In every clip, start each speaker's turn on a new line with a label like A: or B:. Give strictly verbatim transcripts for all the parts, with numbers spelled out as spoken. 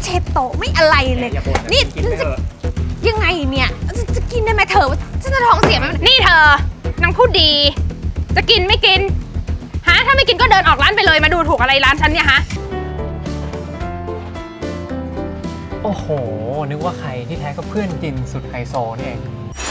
A: เช็ดโต๊ะไม่อะไรเลยนี่จะยังไงเนี่ยจะกินได้ไหมเธอฉันจะท้องเสียไหมนี่เธอนางพูดดีจะกินไม่กินฮะถ้าไม่กินก็เดินออกร้านไปเลยมาดูถูกอะไรร้านฉันเนี่ยฮะ
B: โอ้โหนึกว่าใครที่แท้ก็เพื่อนจินสุดไฮโซนี่เอง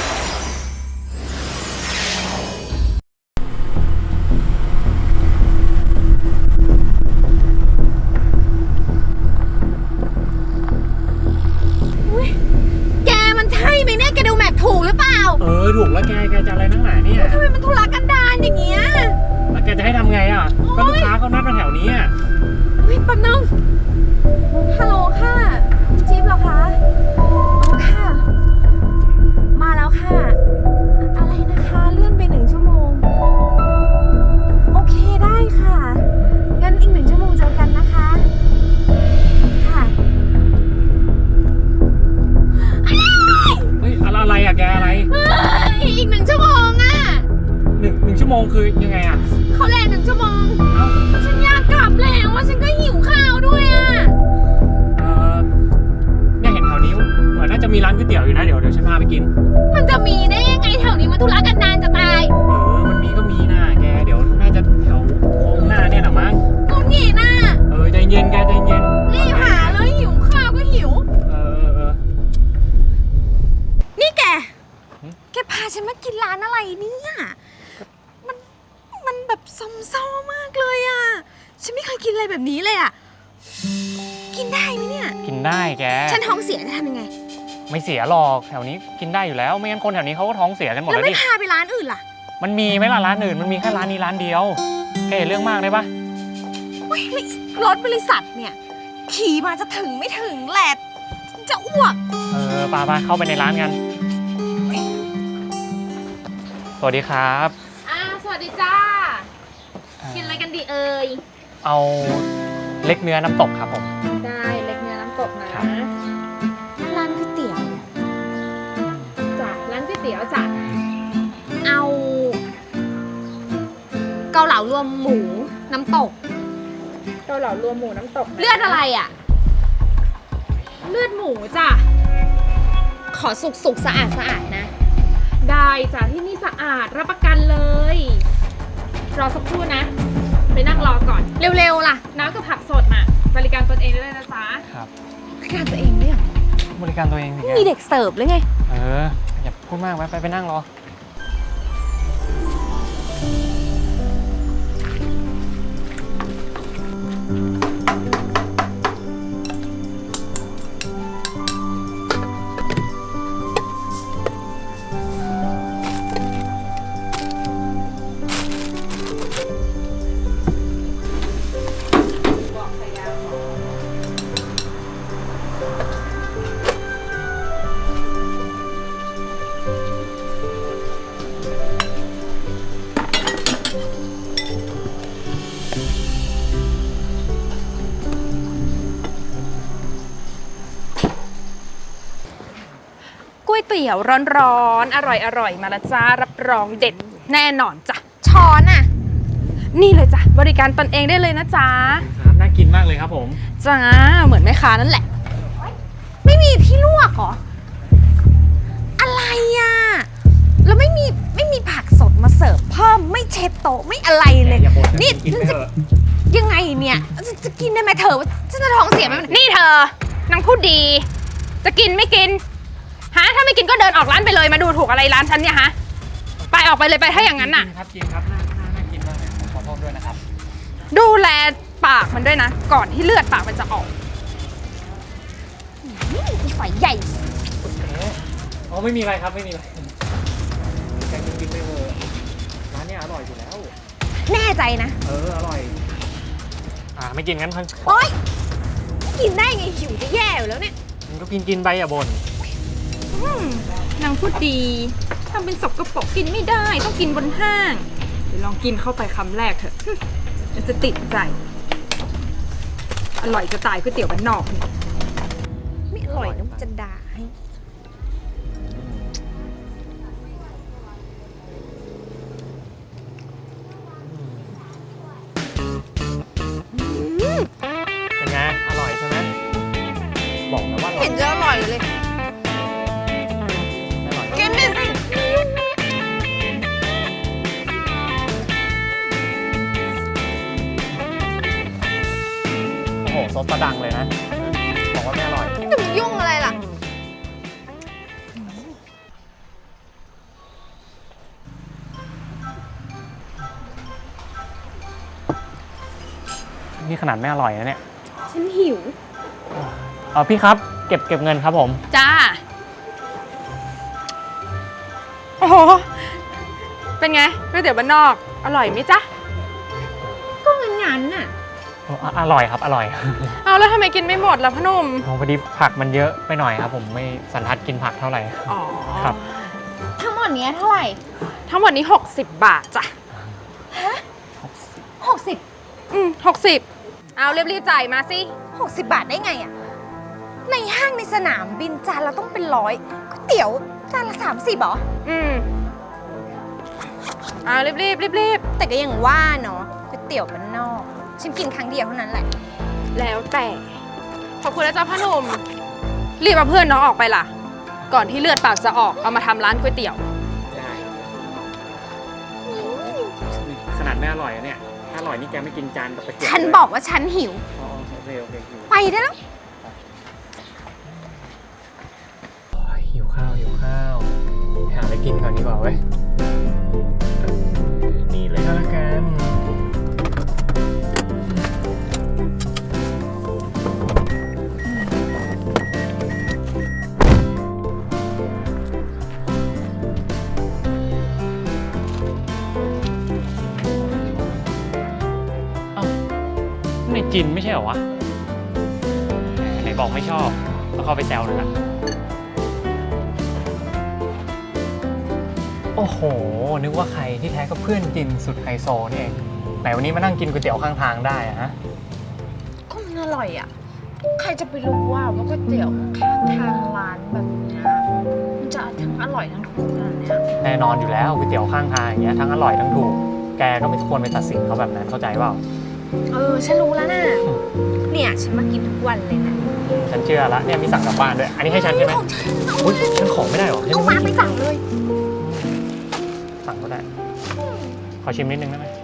A: แกมันใช่ไหมเนี่ยแกดูแมพถูกหรือเปล่า
B: เออถูกแล้วแกแกจะอะไรนักหนาเนี่ย
A: ทำไมมันธุระกันดารอย่างเงี้ย
B: แล้วแกจะให้ทำไงอ่ะก็ลูกค้าเขานัดมาแถวนี้อ่ะ
A: เฮ้ยแป๊บนึงฮัลโหลค่ะจิ๊บเหรอคะอ๋อค่ะมาแล้วค่ะอะไรนะคะเลื่อนไปหนึ่งชั่วโมงโอเคได้ค่ะงั้นอีกหนึ่งชั่วโมงเจอกันนะคะค่ะ
B: เฮ้ยอะไรอ่ะแกอะไร
A: อีกหนึ่งชั่วโมงอ่ะ
B: หนึ่งหนึ่งชั่วโมงคือยังไงอ่ะ
A: เขาแลหนึ่งชั่วโมงฉันอยากกลับแล้วว่าฉันก็หิวข้าวด้วยอ่ะ
B: เออเนี่ยเห็นแถวนี้เหมือนน่าจะมีร้านก๋วยเตี๋ยวอยู่นะเดี๋ยวเดี๋ยวฉันพาไปกิน
A: มันจะมีได้ยังไงแถวนี้มันธุระกันดารจะตาย
B: เออมันมีก็มีนะแกเดี๋ยวน่าจะแถวโค้งหน้าเนี่ยหรอมั้ง
A: กูหนีน่ะ
B: เออใจเย็นแกใจเย็น
A: รีบหาเลยหิวข้าวก็หิว
B: เออเออ
A: นี่แกแกพาฉันมากินร้านอะไรเนี่ยมันมันแบบซ้ำซ้อมากเลยอ่ะฉันไม่เคยกินอะไรแบบนี้เลยอ่ะกินได้ไหมเนี่ย
B: กินได้แก
A: ฉันท้องเสียจะทำยังไง
B: ไม่เสียหรอกแถวนี้กินได้อยู่แล้วไม่งั้นคนแถวนี้เขาก็ท้องเสียกันหมดแล้วดิ
A: แล้วไม่พาไปร้านอื่นล่ะ
B: มันมีไหมล่ะร้านอื่นมันมีแค่ร้านนี้ร้านเดียวแกอย่าเรื่องมากได้ปะ
A: เฮ้ยรถบริษัทเนี่ยขี่มาจะถึงไม่ถึงแหละจะอ้วก
B: เออปาปาเข้าไปในร้านกันสวัสดีครับ
A: อ่าสวัสดีจ้ากินอะไรกันดีเอ่ย
B: เอาเล็กเนื้อน้ำตกครับผม
A: ได้เล็กเนื้อน้ำตกนะร้านก๋วยเตี๋ยวจ้ะร้านก๋วยเตี๋ยวจ้ะเอาเกาเหลารวมหมูน้ำตก
C: เกาเหลารวมหมูน้ำตก
A: เลือดอะไรอ่ะเลือดหมูจ้ะขอสุกสุกสะอาดสะอาดนะ
C: ได้จ้ะที่นี่สะอาดรับประกันเลยรอสักครู่นะไปนั่งรอก่อน
A: เร็วๆล่ะ
C: น้ำกับผักสดมาบริการตนเองได้เลยนะจ๊ะ
B: ครับ
A: บริการตัวเองด้วยเหร
B: อบริการตัวเอง
A: มีเด็กเสิร์ฟหรือไง
B: เอออย่าพูดมากไปไปไปนั่งรอ
C: ก๋วยเตี๋ยวร้อนๆอร่อยๆมาละจ้ารับรองเด็ดแน่นอนจ้ะ
A: ช้อนอ่ะ
C: นี่เลยจ้ะบริการตนเองได้เลยนะจ๊ะ
B: ครับน่ากินมากเลยครับผม
C: จ้าเหมือนแม่ค้านั่นแหละ
A: ไม่มีที่ลวกเหรออะไรอ่ะแล้วไม่มีไม่มีผักสดมาเสิร์ฟเพิ่มไม่เช็ดโต๊ะไม่อะไรเลยนี่จะยังไงเนี่ยจะกินได้ไหมเธอฉันจะท้องเสียไหม
C: นี่เธอนางพูดดีจะกินไม่กินฮะถ้าไม่กินก็เดินออกร้านไปเลยมาดูถูกอะไรร้านฉันเนี่ยฮะไปออกไปเลยไปถ้าอย่างนั้นน่ะ
B: ครับจริงครับน่าน่ากินมากเลยขอโทษด้วยนะครับ
C: ดูแลปากมันด้วยนะก่อนที่เลือดปากมันจะออก
A: ไฟใหญ่
B: อ๋อไม่มีอะไรครับไม่มีอะไรแกกินไม่เวอร์ร้านนี้อร่อยอยู่แล้ว
A: แน่ใจนะ
B: เอออร่อยอ่าไม่กินงั้นพัน
A: โอ๊ยกินได้ไงหิวจะแย่อยู่แล้วเนี่ย
B: มันก็กินกินไปอย่าบ่น
C: นางพูดดีทำเป็นสกปรกกินไม่ได้ต้องกินบนห้างเดี๋ยวลองกินเข้าไปคำแรกเถอะมันจะติดใจอร่อยจะตายก๋วยเตี๋ยวบ้านนอก
A: ไม่อร่อยนะจะด่าให้
B: เป็นไงอร่อยใช่ไหมบอกนะว่าอร่อ
A: เห็
B: ย
A: นจะอร่อยเลย
B: ไม่อร่อย
A: กินดิสิ
B: โอ้โหซอสตะดังเลยนะ บอกว่าไม่อร่อย
A: จะมายุ่งอะไรล่ะ
B: นี่ขนาดไม่อร่อยนะเนี่ย
A: ฉันหิว
B: เออพี่ครับเก็บเก็บเงินครับผม
C: จ้า โอ้โห เป็นไงก๋วยเตี๋ยวบ้านนอก อร่อยไหมจ๊ะ
A: ก็งั้นงั้นน่ะ
B: ออร่อยครับอร่อย
C: เอาแล้วทำไมกินไม่หมดล่ะพ่อหนุ่ม
B: โอ้พอดีผักมันเยอะไปหน่อยครับ ผมไม่สันทัดกินผักเท่าไหร่
C: อ๋อ
B: ครับ
A: ทั้งหมดเนี้ยเท่าไหร่
C: ทั้งหมดนี้ หกสิบบาทจ้ะ
A: หกสิบ
C: อืมหกสิบเอารีบๆจ่ายมาสิ
A: หกสิบบาทได้ไงอ่ะ ในห้างในสนามบินจานเราต้องเป็นร้อยก๋วยเตี๋ยวจานละสามสิบเหรอ
C: อืมเอารีบๆรีบ
A: แต่ก็ยังว่าเนาะก๋วยเตี๋ยวมันนอก ฉันกินครั้งเดียวเท่านั้นแหละ
C: ๆแล้วแต่ ขอบคุณนะจ๊ะพ่อหนุ่ม รีบเอาเพื่อนน้องออกไปล่ะ ก่อนที่เลือดปากจะออก เอามาทำร้านก๋วยเตี๋ยว
B: ได้ขนาดไม่อร่อยอะเนี่ยถ้าอร่อยนี่แกไม่กินจานกับตะเกียบ
A: ฉันบอกว่าฉันหิว
B: อ๋อโอเคโอเคหิว
A: ไปได้แล้ว
B: โอ้ยหิวข้าวหิวข้าวหาอะไรกินก่อนดีกว่าเว้ยเออนี่เลยก็แล้วกัน เอ้าในจินไม่ใช่เหรอวะไหนบอกไม่ชอบก็เข้าไปแซวเลยละโอ้โห นึกว่าใครที่แท้ก็เพื่อนจินสุดไฮโซนี่เองไหนวันนี้มานั่งกินก๋วยเตี๋ยวข้างทางได้อะฮะ
A: ก็มันอร่อยอ่ะ ใครจะไปรู้ว่าว่าก๋วยเตี๋ยวข้างทางร้านแบบเนี้ยมันจะทั้งอร่อยทั้งถูกขนาดเนี้ย
B: แน่นอนอยู่แล้วก๋วยเตี๋ยวข้างทางอย่างเงี้ยทั้งอร่อยทั้งถูก แกก็ไม่ควรไปตัดสินเขาแบบนั้นเข้าใจเปล่า
A: เออ ฉันรู้แล้วนะ เนี่ย ฉันมากินทุกวันเลยนะ
B: ฉันเชื่อละเนี่ยมีสั่งกลับบ้านด้วย อันนี้ให้ฉันใช่ไหม
A: ของฉันเอา
B: อุ้ย
A: มา
B: ฉันของไม่ได้หรอฉัน
A: เอามาไปสั่งเลย
B: สั่งก็ได้ ขอชิมนิดนึงได้ไหม